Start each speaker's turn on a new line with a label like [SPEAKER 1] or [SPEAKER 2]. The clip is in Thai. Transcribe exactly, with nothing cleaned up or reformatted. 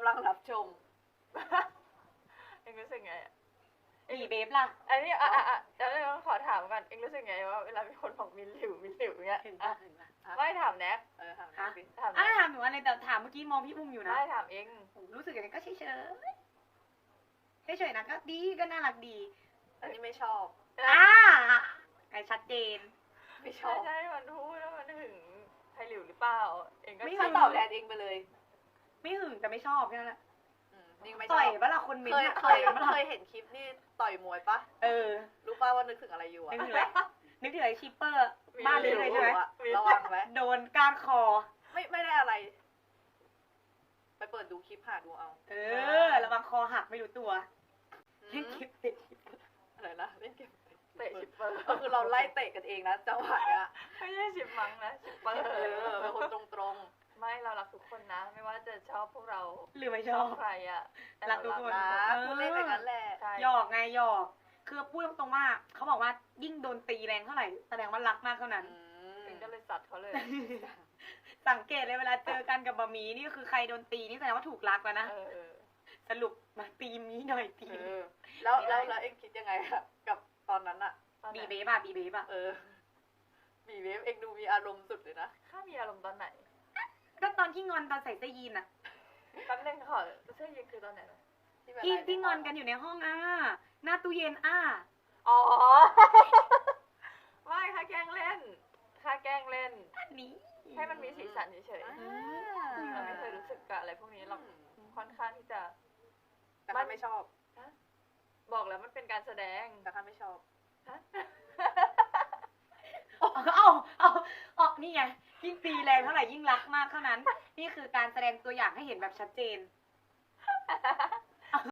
[SPEAKER 1] ำลังรับชม
[SPEAKER 2] เอ็งรู้สึกไงอะ
[SPEAKER 3] บีเบฟล่ะ
[SPEAKER 2] อันนี้อ่ะอ่ะอ่ะเดี๋ยวเราขอถามก่อนเอ็งรู้สึกไงว่าเวลามีคนบอกมินหลิวมินหลิวเงี้ย
[SPEAKER 3] ถึง
[SPEAKER 2] อ่ะ
[SPEAKER 3] ปะถึงปะ
[SPEAKER 2] ไม่ถามแน็ก
[SPEAKER 1] เออถาม
[SPEAKER 3] ฮะ
[SPEAKER 1] ดิ
[SPEAKER 2] ถาม
[SPEAKER 3] อ่ะ
[SPEAKER 2] แน็ก
[SPEAKER 3] ถามหนูอะไรแต่ถามเมื่อกี้มองพี่อุ้มอยู่นะ
[SPEAKER 2] ไม่ถามเอ็ง
[SPEAKER 3] ผมรู้สึกอย่างนี้ก็เฉยเฉยเฉยๆนะก็ดีก็น่ารักดี
[SPEAKER 1] อันนี้ไม่ชอบ
[SPEAKER 3] อ่าไอชัดเจน
[SPEAKER 1] ไม่ช
[SPEAKER 2] ใช่
[SPEAKER 1] อบ
[SPEAKER 2] ใช่มันพูดแล้วมันถึงไทยหลิวหรือเปล่าเอ็งก็
[SPEAKER 3] ไม่
[SPEAKER 1] ถ้า
[SPEAKER 3] ถึง
[SPEAKER 1] ตอบแทนเองไปเลย
[SPEAKER 3] ไม่หึงแต่ไม่ชอบแค่นั้นแหละ
[SPEAKER 1] อืมนี่ไม่ช
[SPEAKER 3] ต่
[SPEAKER 1] อ
[SPEAKER 3] อย
[SPEAKER 1] บ
[SPEAKER 3] ปะล่ะคนเม้น
[SPEAKER 1] เคย
[SPEAKER 3] ต์อะ
[SPEAKER 1] เค
[SPEAKER 3] ต่อย
[SPEAKER 1] ย
[SPEAKER 3] ปะล่ะ
[SPEAKER 1] เคยเห็นคลิปนี่ต่อยมวยปะ
[SPEAKER 3] เออ
[SPEAKER 1] รู้ป่ะว่านึกถึงอะไรอยู่อะ
[SPEAKER 3] นึกถึงอะไรนึกถึงไอชิปเปอร์บ้านนี้เลยใช่ไหม
[SPEAKER 1] อะระวังไว้
[SPEAKER 3] โดนก้านคอ
[SPEAKER 1] ไม่ไม่ได้อะไร ไปเปิดดูคลิปหาดูเอา
[SPEAKER 3] เออระวังคอหักไม่รู้ตัว
[SPEAKER 1] อื
[SPEAKER 3] เล่น
[SPEAKER 1] ม
[SPEAKER 3] คลิปติด
[SPEAKER 1] อะไรนะเล่นเกม
[SPEAKER 2] เตะชิปเปอร์
[SPEAKER 1] ก็คือเราไล่เตะกันเองนะจังหวะเนี้ย
[SPEAKER 2] ไม่ใช่ชิปมังนะชิปเปอร์
[SPEAKER 1] เออเป็นคนตรง
[SPEAKER 2] ไม่เรารักทุกคนนะ ไม่ว่าจะชอบพวกเรา
[SPEAKER 3] หรือไม่ช
[SPEAKER 2] ช
[SPEAKER 3] อ
[SPEAKER 2] อ
[SPEAKER 3] บบ
[SPEAKER 2] ใครอ่ะแต่
[SPEAKER 3] รักทุกคน
[SPEAKER 1] ๆนะพูดเล่นไปงั้นแหละ
[SPEAKER 2] ใช่
[SPEAKER 3] หยอกไงหยอก คือพูดตรงๆว่าเขาบอกว่ายิ่งโดนตีแรงเท่าไหร่แสดงว่ารักมากเท่านั้น
[SPEAKER 1] อืม
[SPEAKER 2] เอ็งก็เลยสัตว์เขาเลย
[SPEAKER 3] สังเกตเลยเวลาเจอกันกับบะหมี่นี่ก็คือใครโดนตีนี่แสดงว่าถูกรักแล้วนะ
[SPEAKER 2] เออเออ
[SPEAKER 3] สรุปมาตีมีหน่อยตี
[SPEAKER 1] เออแล้วแล้วแล้วเอ็งคิดยังไงอะกับตอนนั้นอะ
[SPEAKER 2] ตอนไห
[SPEAKER 3] บี
[SPEAKER 2] น
[SPEAKER 3] เบฟอะบีเบฟอะ
[SPEAKER 1] เออมีเวฟเอ็งดูมีอารมณ์สุดเลยนะ
[SPEAKER 2] ข้ามีอารมณ์ตอนไหน
[SPEAKER 3] ก็ตอนที่งอนตอนใส่เสื้อยีนอะ
[SPEAKER 2] แป๊บนึงขอเสื้อยีนคือตอนไหนนะ
[SPEAKER 1] แบบ
[SPEAKER 3] ที่
[SPEAKER 1] ไลฟ์
[SPEAKER 3] ที่งอนกันอยู่ในห้องอ่ะหน้าตู้เย็นอ่ะ
[SPEAKER 2] อ๋อ ไม่ค่าแกล้งเล่นค่าแกล้งเล่น
[SPEAKER 3] อันนี้
[SPEAKER 2] ให้มันมีสีสันเฉย
[SPEAKER 1] อ่า
[SPEAKER 2] ๆเราไม่เคยรู้สึกกับอะไรพวกนี้เราค่อนข้างที่จะ
[SPEAKER 1] แต่ข้าไม่ชอบ
[SPEAKER 2] บอกแล้วมันเป็นการแสดง
[SPEAKER 1] แต่ข้าไม่ชอบ
[SPEAKER 3] เอาเอาเอาเอานี่ไงยิ่งตีแรงเท่าไหร่ยิ่งรักมากเท่านั้น นี่คือการแสดงตัวอย่างให้เห็นแบบชัดเจน